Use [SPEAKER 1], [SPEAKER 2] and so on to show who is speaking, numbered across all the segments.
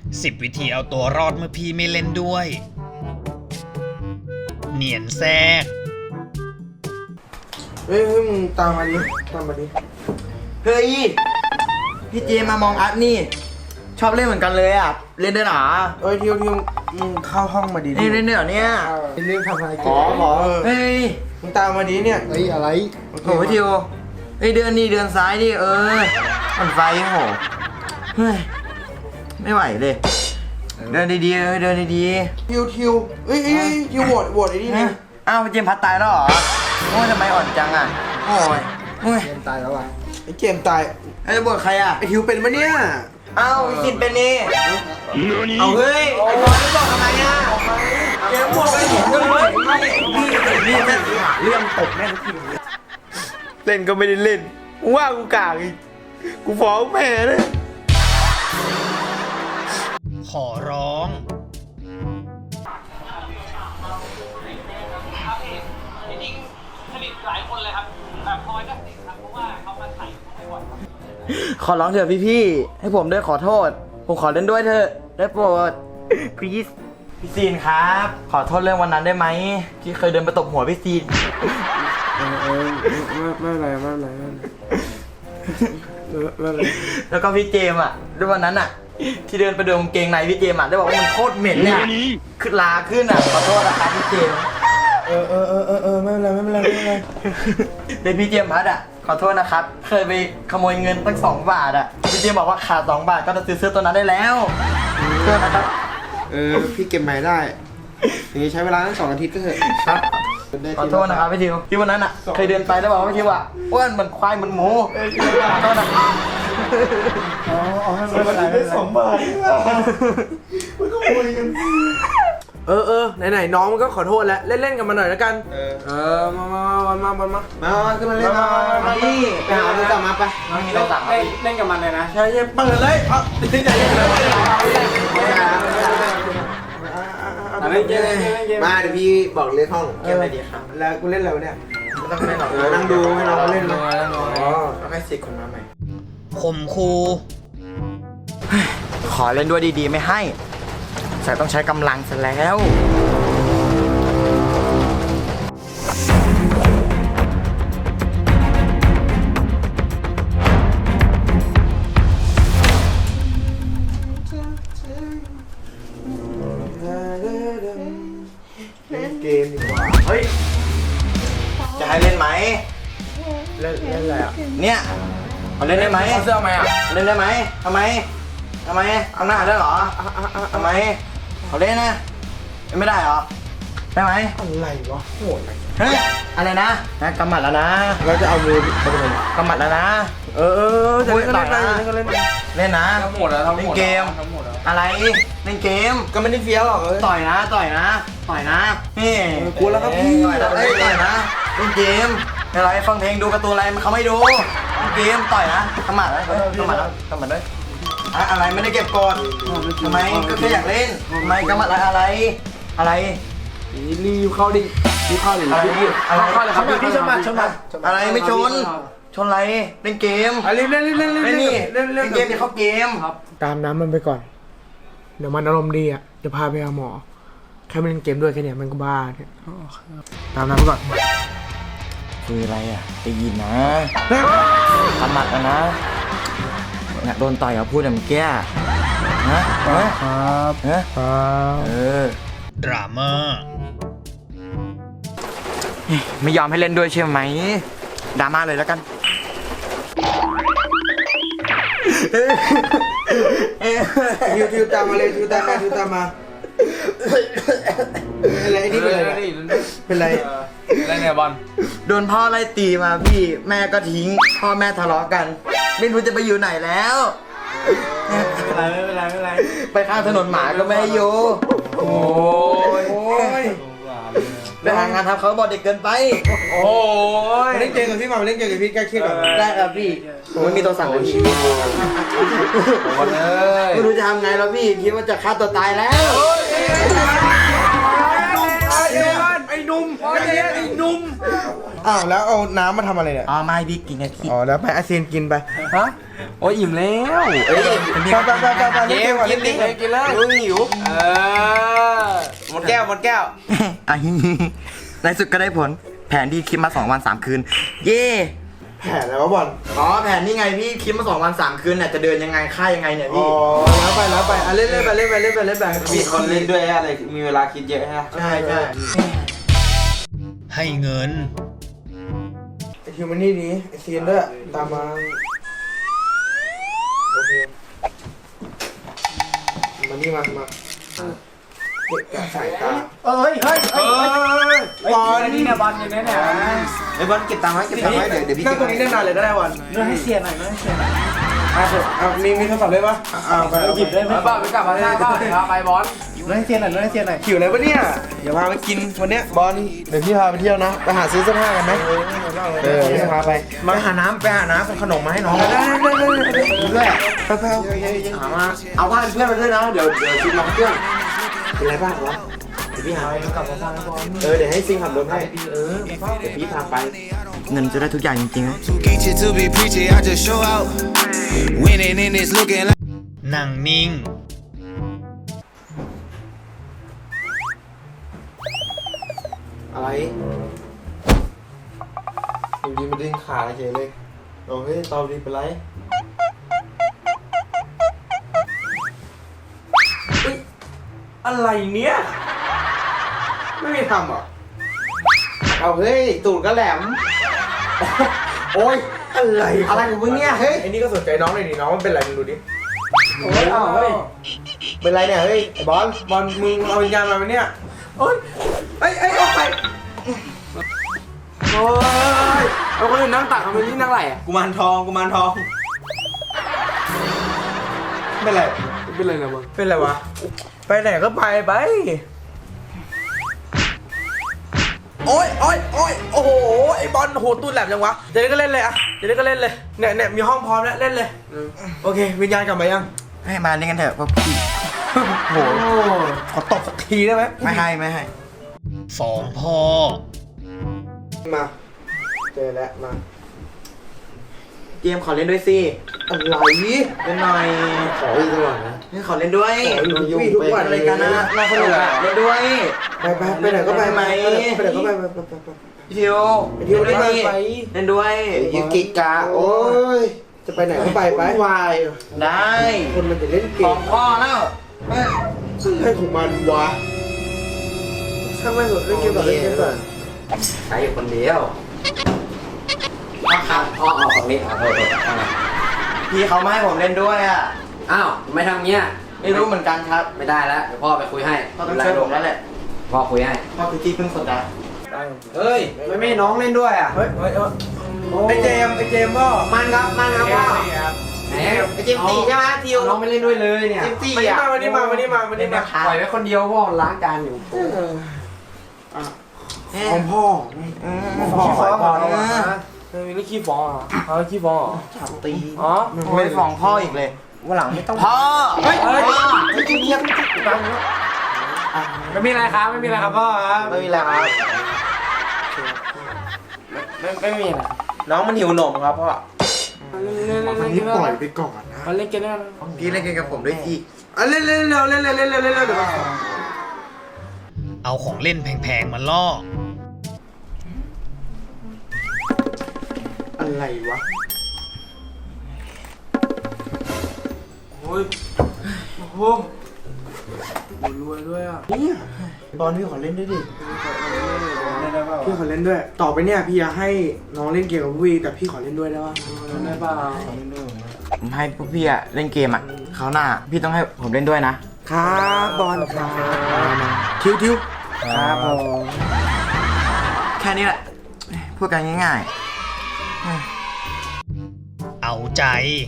[SPEAKER 1] 10 วิธีเอาตัวรอดเมื่อพี่ไม่เล่นด้วย เนียนแทรก
[SPEAKER 2] เฮ้ยมึงตามมาดิเฮ้ยพี่เจมามองอัพนี่ชอบเล่นเหมือนกันเลยอ่ะเล่นได้หรอเอ้ยทิวมึงเข้าห้องมาดิเล่นได้หรอเนี่ยเล่นทำอะไรกันหรอเฮ้ยมึงตามมาดิเนี่ยอะไรโอ้ยทิวเฮ้ยเดินซ้ายดิมันไฟโหเฮ้ยไม่ไหวเลยเดินดีๆเดินดีๆทิวเอ้ยทิวโหวตไอ้นี่นะอ้าวเจมพัดตายแล้วเหรอโอ้ยทำไมอ่อนจังอ่ะโอ้ยเจมตายแล้วอ่ะไอ้เจมตายไอ้โหวตใครอ่ะไอ้ทิวเป็นปะเนี่ยอ้าวสินเป็นนี่เอาเฮ้ยไอ้บอลไม่บอกทำไมอ่ะเจมโหวตไปผมก็เลยนี่แม่งเรื่องตกแม่งทุกทีเล่นก็ไม่ได้เล่นว่ากูกากอีกกูฟ้องแม่เลย
[SPEAKER 1] ขอร้อง
[SPEAKER 2] ขอร้องเถอะพี่ให้ผมด้วยขอโทษผมขอเล่นด้วยเถอะได้โปรด please พี่ซีนครับขอโทษเรื่องวันนั้นได้ไหมที่เคยเดินไปตบหัวพี่ซีนไม่เป็นไรแล้วก็พี่เจมอ่ะด้วยวันนั้นอ่ะที่เดินไปเดินกางเกงในพี่เจมอ่ะได้บอกว่ามันโคตรเหม็นเนี่ยขึ้นลาขึ้นอ่ะขอโทษนะครับพี่เจมไม่เป็นไรเป็นพี่เจมพัดอ่ะขอโทษนะครับเคยไปขโมยเงินตั้ง2 บาทอ่ะพี่เจมบอกว่าขาด2 บาทก็จะซื้อเสื้อตัวนั้นได้แล้วเสื้อนะครับ
[SPEAKER 3] พี่เก็บใหม่ได้อย่างนี้ใช้เวลาตั้ง2 อาทิตย์ก็เถอะครับ
[SPEAKER 2] ขอโทษนะครับพี่ทิวที่วันนั้นอ่ะเคยเดินไปแล้วบอกว่าพี่ทิวอ่ะอ้วนเหมือนควายเหมือนหมูขอโทษนะ
[SPEAKER 3] ให้มันได้2 บาทมันก็คุยกันไหนน้องมันก็ขอโทษแล้วเล่นกันมาหน่อยแล้วกันมาขึ้นมาเล่นมาดิไปหาโทรศัพท์มาไป
[SPEAKER 2] เล่นกับมันเลยนะ
[SPEAKER 3] ใช่เปิดเลยมาเดี๋ยวพี่บอกเล่นห้อง
[SPEAKER 2] เกมอะไรดีครับ
[SPEAKER 3] แล้วกูเล่นแล้วเนี่ย
[SPEAKER 2] ไม่ต้องเล่นหรอก
[SPEAKER 3] นั่งดูให้น้องเล่นเลย
[SPEAKER 2] แล้วให้สิคนมาใหม่
[SPEAKER 1] ข่มคู
[SPEAKER 2] ขอเล่นด้วยดีๆไม่ให้แต่ต้องใช้กำลังซะแล้ว
[SPEAKER 3] เล่นเกมดีกว่า
[SPEAKER 2] เฮ้ยจะให้เล่นไหม
[SPEAKER 3] เล่นอะไรอ่ะ
[SPEAKER 2] เนี่ยเอาเล่นได้ไหม
[SPEAKER 3] เสื้อไหมอ่ะ
[SPEAKER 2] เล่นได้ไหมทำไมเอาหน้าได้เหรอทำไมเขาเล่นนะไม่ได้เหรอได้ไหม
[SPEAKER 3] อะไรวะโหดอะไร
[SPEAKER 2] เฮ้ยอะไรนะกำหมัดแล้วนะ
[SPEAKER 3] เราจะเอามือไปทำไม
[SPEAKER 2] กำหมัดแล้วนะ
[SPEAKER 3] จะเล่นก็เล่นได้ก็เล่น
[SPEAKER 2] เล่นนะ
[SPEAKER 3] ทั้งหมดแล้วเล่นเกม
[SPEAKER 2] อะไรเล่นเกม
[SPEAKER 3] ก็ไม่ได้เฟี้ยวหรอก
[SPEAKER 2] ต่อยนะนี่
[SPEAKER 3] กลัวแล้วครับพี่
[SPEAKER 2] ต่อยนะเล่นเกมอะไรฟังเพลงดูการ์ตูนอะไรเขาไม่ดูเล่นเกมต่อยนะกำหมัดด้วยอะไรไม่ได้เก็บกดทำไมก็แค่อยากเล่นทำไมกำหมัดอะไร
[SPEAKER 3] รีบเข้าดิรีบเข้าเลย
[SPEAKER 2] เข้าเลยครับ
[SPEAKER 3] พี่ชนมา
[SPEAKER 2] อะไรไม่ชนอะไรเล่นเกม
[SPEAKER 3] เล่น
[SPEAKER 2] เกมจะเข้าเกม
[SPEAKER 3] ตามน้ำมันไปก่อนเดี๋ยวมันอารมณ์ดีอ่ะจะพาไปหาหมอแค่มันเล่นเกมด้วยแค่นี้มันก็บ้าเนี่ยตามน้ำไปก่อน
[SPEAKER 2] คืออะไรอ่ะได้ยินนะกำหมัดนะโดนต่อยเขาพูดแบบแก่
[SPEAKER 3] ครับ
[SPEAKER 1] ดราม่า
[SPEAKER 2] ไม่ยอมให้เล่นด้วยใช่ไหมดราม่าเลยแล้วกัน
[SPEAKER 3] ทิวตามมาเลยทิวตามมาอะไรนี่เป็นไรเนี่ยบอล
[SPEAKER 2] โดนพ่อไล่ตีมาพี่แม่ก็ทิ้งพ่อแม่ทะเลาะกันไม่รู้จะไปอยู่ไหนแล้ว
[SPEAKER 3] ไม่เป็นไร
[SPEAKER 2] ไปข้างถนนหมาก็ไม่ให้อยู่
[SPEAKER 3] โอ้ย
[SPEAKER 2] ไปหางานทำเขาบอกเด็กเกินไป
[SPEAKER 3] โอ้ยเล่นเกมกับพี่มาเล่นเกมกับพี่ใกล้ชิด
[SPEAKER 2] ได้ครับพี่ผมไม่มีตัวสั่งเลยพี่ไม่รู้จะทำไงแล้วพี่คิดว่าจะฆ่าตัวตายแล้ว
[SPEAKER 3] ไอ้หนุ่มใจเย็นไอ้หนุ่มอ้าวแล้วเอาน้ำมาทำอะไรเนี่ย
[SPEAKER 2] อ๋อไม่พี่กินไงพี่
[SPEAKER 3] อ๋อแล้วไปอาเซียนกินไป
[SPEAKER 4] ฮะโอ้ยอิ่มแล้ว
[SPEAKER 2] เอ้ย
[SPEAKER 3] ไปเล่นเกมก่อน
[SPEAKER 4] กินดิกินเลยหิวหมดแก้วหมดแก้ว
[SPEAKER 2] อ่ะในสุดก็ได้ผลแผนที่คิดมา2 วัน 3 คืน เย่
[SPEAKER 3] แผนอะไรวะบอล
[SPEAKER 2] อ๋อแผนนี่ไงพี่คิดมา2 วัน 3 คืนเนี่ยจะเดินยังไงค่ายยังไงเนี่ย
[SPEAKER 3] อ๋อ
[SPEAKER 2] พี่
[SPEAKER 3] แล้วไปอ่ะเล่นไปเล่นไปเล่นไปเล่นไป
[SPEAKER 4] มีคนเล่นด้วยอะไรมีเวลาคิดเยอะฮะ
[SPEAKER 2] ใช่ใช่
[SPEAKER 1] ให้เงิน
[SPEAKER 3] ไอคิวมันนี่ดีไอเซียนด้วยตามมาโอเคมานี่มาเก็บกะสายตาบอล
[SPEAKER 4] นี่เนี่ยบอลอยู่เนี่ยไอ้บอลเก็บตังค์ไว้เก็บตังค์ไว้เดี๋ยวพี่
[SPEAKER 3] นั่งตรงนี้ได้นานเลยได้วัน
[SPEAKER 4] เรื่องให้เสียหน่อยเรื่องให้เสียหน่อย
[SPEAKER 3] มีโทรศัพท์เลยปะไป
[SPEAKER 4] หยิบได้ไหมบ้าไปกลับมาได้บ้าพาไปบอลเรื่องให้เสียหน่อยเรื่องให้เสียหน่อย
[SPEAKER 3] หิวอะไรปะเนี่ยอย่าพาไปกินวันเนี้ยบอลเดี๋ยวพี่พาไปเที่ยวนะไปหาซื้อเสื้อผ้ากันไหมพี่พาไปหาน้ำขนมมาให้น้องได้ด้วยไปหามา
[SPEAKER 4] เอาผ้าเพื่อนมาด้วยนะเดี๋ยวชุดน้องเพื่อน
[SPEAKER 3] เป็นไรบ้างวะเดี๋ยวพี่หาให้กลับมาฟังบอลเดี๋ยวให้ซิงขับรถให้เดี๋ยวพี่พาไป
[SPEAKER 2] เงินจะได้ทุกอย่างจริงๆนะ
[SPEAKER 5] Get you to be preaching, I just show out. Winning in this looking like.
[SPEAKER 1] นั่งนิ่ง
[SPEAKER 3] อะไรอยู่ดีมาดึงขาเฉยเลยโอ้ยตอบดีเป็นไรอะไรเนี้ยไม่มีทำหรอเอาเฮ้ยตูดก็แหลมโอ้ยอะไรของมึงเนี่ยเฮ้ยไอ้นี่ก็สนใจน้องเลยดิน้องมันเป็นไรมึงดูดิโอ้ยเฮ้ยเป็นไรเนี่ยเฮ้ยไอ้บอลมึงเอาวิญญาณมาไหมเนี่ยโอ้ยไอ้ออกไปโอ้ย
[SPEAKER 4] เอาคนอื่นนั่งตักทำไมนี่นั่งไหลอ่ะ
[SPEAKER 3] กุมารทองเป็นไร
[SPEAKER 4] เป็นไรนะบอล
[SPEAKER 3] เป็นไรวะไปไหนก็ไปโอ้ยโอ้โหไอ้บอลโหตูดแหลมจังวะจะเล่นก็เล่นเลยอะจะเล่นก็เล่นเลยเนี่ยมีห้องพร้อมแล้วเล่นเลยโอเควิญญาณกลับมายัง
[SPEAKER 2] ให้มาเล่นกันเถอะพวกพี่
[SPEAKER 3] โหขอตบสักทีได้ไหม
[SPEAKER 2] ไม่ให้
[SPEAKER 1] สองพ่อ
[SPEAKER 3] มาเจอแล้วมา
[SPEAKER 2] เกมขอเล่นด้วยสิ
[SPEAKER 3] อะไร
[SPEAKER 2] เล่นหน่อย
[SPEAKER 3] ขออีกตลอดนะ
[SPEAKER 2] ขอเล่นด้วย
[SPEAKER 3] ทุกวัน
[SPEAKER 2] อะไรกันนะน่าสนุกอะเล่นด้วย
[SPEAKER 3] ไปไหนก็ไป
[SPEAKER 2] ไหม
[SPEAKER 3] ไปไหนก็ไป
[SPEAKER 2] พี่ทิว
[SPEAKER 3] เที่ยวได้ไหม
[SPEAKER 2] เล่นด้วย
[SPEAKER 3] ยูกิกะโอ้ยจะไปไหนก็ไปวาย
[SPEAKER 2] ได้
[SPEAKER 3] คนมันจะเล่นเก
[SPEAKER 2] สอ
[SPEAKER 3] ม
[SPEAKER 2] งข้อแล้ว
[SPEAKER 3] ให้ของมันวะช่างไม่หมดเล่นเกมก่อน
[SPEAKER 4] ใครอยู่คนเดียวครับพ่อเอาฝั่งนี้เอาโทษ
[SPEAKER 2] พี่เขาไม่ให้ผมเล่นด้วยอ่ะ
[SPEAKER 4] อ้าวไม่ทำเงี้ย
[SPEAKER 2] ไม่รู้เหมือนกันครับ
[SPEAKER 4] ไม่ได้แล้วเดี๋ยวพ่อไปคุยให้
[SPEAKER 2] เขาต้องช่วยผมแล้วแหละ
[SPEAKER 4] พ่อคุยให้
[SPEAKER 2] พ่อคือที่พึ่งสุดนะ
[SPEAKER 4] เฮ้ยไม่น้องเล่นด้วยอ่ะ
[SPEAKER 3] เฮ้ยไอเจมส์ก็
[SPEAKER 2] มันครับพ่อ
[SPEAKER 4] แหม
[SPEAKER 2] ไอเจมส์ตีใช่ไหมทิว
[SPEAKER 4] น้องไม่เล่นด้วยเลยเนี่ย
[SPEAKER 2] เจมส์ตี
[SPEAKER 3] วันนี้มา
[SPEAKER 2] เล่น
[SPEAKER 4] ปล่อยไว้คนเดียวพ่อล้างจานอยู่
[SPEAKER 3] ของพ่อ
[SPEAKER 4] ขี้ฟ้องเหรอ
[SPEAKER 3] มีนี่ขี้ฟ้องอ่ะเขาขี้ฟ้อง
[SPEAKER 2] ตี
[SPEAKER 3] อ๋อ
[SPEAKER 2] ไม่ฟ้องพ่ออีกเลยวันหลังไม่ต้องพ่อเฮ้ยเงียบ
[SPEAKER 4] ไม่มีอะไรครับไม่มีอะไรครับพ่อครับ
[SPEAKER 2] ไม่มีแล้วครับ
[SPEAKER 4] ไม่มีอะไร
[SPEAKER 3] น้องมันหิวนมครับพ่อ
[SPEAKER 4] อันนี้ปล่อยไปก่อน
[SPEAKER 3] นะ
[SPEAKER 4] มาเล่นกันได้ไหม
[SPEAKER 2] พี่เล่นเกมกับผมด้วยสิ
[SPEAKER 3] เล่นเร็วเดี๋ยว
[SPEAKER 1] เอาของเล่นแพงๆมาล่อ
[SPEAKER 3] อะไรวะโอ้ยโอ้โหรวยด้วยอ่ะเนี่ยบอลพี่ขอเล่นด้วยดิพี่ขอเล่นด้วยต่อไปเนี่ยพี่อยากให้น้องเล่นเกมกับพี่แต่พี่ขอเล่นด้วยได้ป่ะได้ป่ะ
[SPEAKER 2] ผมให้พวกพี่อะเล่นเกมอะเขาวหน้าพี่ต้องให้ผมเล่นด้วยนะครับ
[SPEAKER 3] บอลครับทิวครับผม
[SPEAKER 2] แค่นี้แหละพูดกันง่าย
[SPEAKER 1] เอาใจ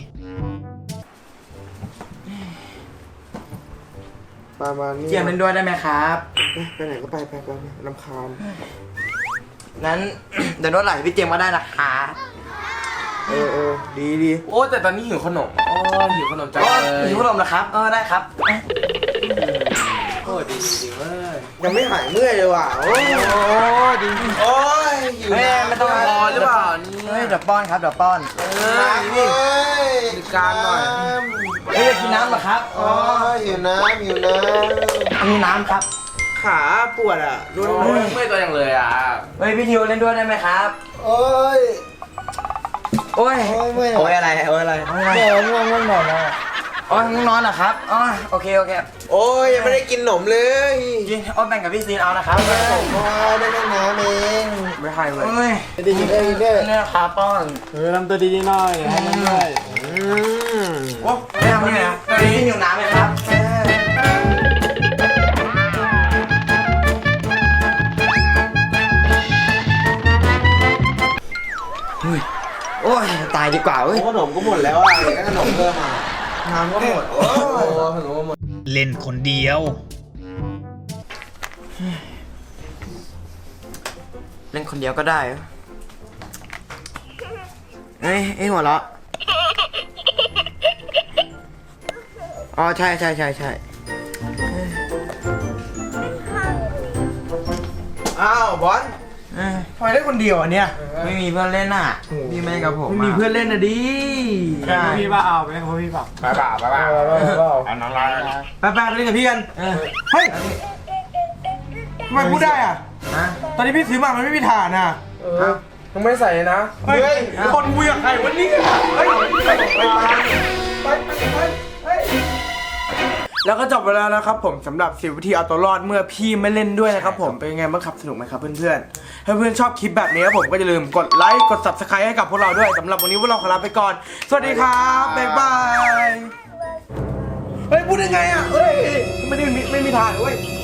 [SPEAKER 3] ประมาณนี้
[SPEAKER 2] ๆเกมเล่นด้วยได้ไหมครับ
[SPEAKER 3] ไปไหนก็ไปลำคาญ
[SPEAKER 2] งั้น เดี๋ยวรถไหลพี่เจมส์ก็ได้นะคะ
[SPEAKER 3] ดี
[SPEAKER 4] โอ้แต่ตอนนี้หิวขนมหิวขนมจัง
[SPEAKER 2] ก็
[SPEAKER 4] เลย
[SPEAKER 2] หิวขนมนะครับได้ครับ
[SPEAKER 3] ขโอ้ดีจริงๆเว้ยยังไม่หายเมื่อยเลยว่ะโอ้ดี
[SPEAKER 4] โอ้ยหิว
[SPEAKER 2] เฮ้ย
[SPEAKER 4] น้ำ
[SPEAKER 2] ไม่ต้อง
[SPEAKER 4] พอหรือเปล่านี่
[SPEAKER 2] เฮ้ยเดี๋ยวป้อนครับเดี๋ยวป้อน
[SPEAKER 3] น้ำนี่
[SPEAKER 4] มีการหน่อย
[SPEAKER 2] เฮ้ยอยากกินน้ำเหรอครับ
[SPEAKER 3] อ๋อหิวน้ำหิวน้ำ
[SPEAKER 2] อันนี้น้ำครับ
[SPEAKER 3] ขาปวดอ่ะรุน
[SPEAKER 4] โอ้ยเมื่อยตัวอย่างเลยอ่ะ
[SPEAKER 2] เฮ้ยพี่ทิวเล่นด้วยได้ไหมครับ
[SPEAKER 3] โอ้ย
[SPEAKER 2] โอ้ย
[SPEAKER 3] โอ้ยเมื่อย
[SPEAKER 2] โอ้ยอะไรโอ้ยอะไร
[SPEAKER 3] เดี๋ยวง่วงง่วงนอนแล้ว
[SPEAKER 2] อ๋อง่วงนอนเหรอครับอ๋อโอเคโอเค
[SPEAKER 3] โอ้ยยังไม่ได้กินขนมเลย
[SPEAKER 2] กินอ๋อแบ่งกับพี่ซีนเอานะครับ
[SPEAKER 3] ผมได้แค่น้ำเอง
[SPEAKER 2] ไม่ให้เว้ยเฮ้ย
[SPEAKER 3] ดีดีเลยเด้อ
[SPEAKER 2] เนี่ยครับป้อน
[SPEAKER 3] ทำตัวดีๆหน่อยให้มันด้วย
[SPEAKER 2] โอ้ไม่ทำนี่นะพี่หิวน้ำไหมครับโอ้ยตายดีกว่าเว้ย
[SPEAKER 3] ขนมก็หมดแล้วอ่ะเดี๋ยวก็ขนมเพิ่มอ่ะน้ำก็หมดโอ้ขนมก็หมด
[SPEAKER 1] เล่นคนเดียว
[SPEAKER 2] เล่นคนเดียวก็ได้เหรอเอ้ยหัวเราะอ๋อใช่ใช่ใช่ใช่
[SPEAKER 3] อ้าวบอล
[SPEAKER 2] เอ้ย
[SPEAKER 3] ทำไมได้คนเดียวอ่ะเนี่ย
[SPEAKER 2] ไม่มีเพื่อนเล่นอ่ะพี่ไม่กับผม
[SPEAKER 3] ไม่มีเพื่อนเล่นนะดิ
[SPEAKER 2] ใช่
[SPEAKER 3] พี่ป่าเอาไปเขาพี่ป่าไปป่าเอาน้องร้ายไปไปเล่นกับพี่กัน
[SPEAKER 2] เออ
[SPEAKER 3] เฮ้ยทำไมพูดได้อ่ะ
[SPEAKER 2] ฮะ
[SPEAKER 3] ตอนนี้พี่ซื้อมามันไม่มีฐานอ่ะยังไม่ใส่นะเฮ้ยคนคุยกับใครวันนี้เฮ้ยไปแล้วก็จบไปแล้วนะครับผมสำหรับ10 วิธีเอาตัวรอดเมื่อพี่ไม่เล่นด้วยนะครับผมเป็นยังไงบ้างครับสนุกไหมครับเพื่อนๆถ้าเพื่อนชอบคลิปแบบนี้ครับผมก็อย่าลืมกดไลค์กด Subscribe ให้กับพวกเราด้วยสำหรับวันนี้พวกเราขอลาไปก่อนสวัสดีครับบ๊ายบายเฮ้ยพูดยังไงอ่ะเฮ้ยไม่มีทางเว้ย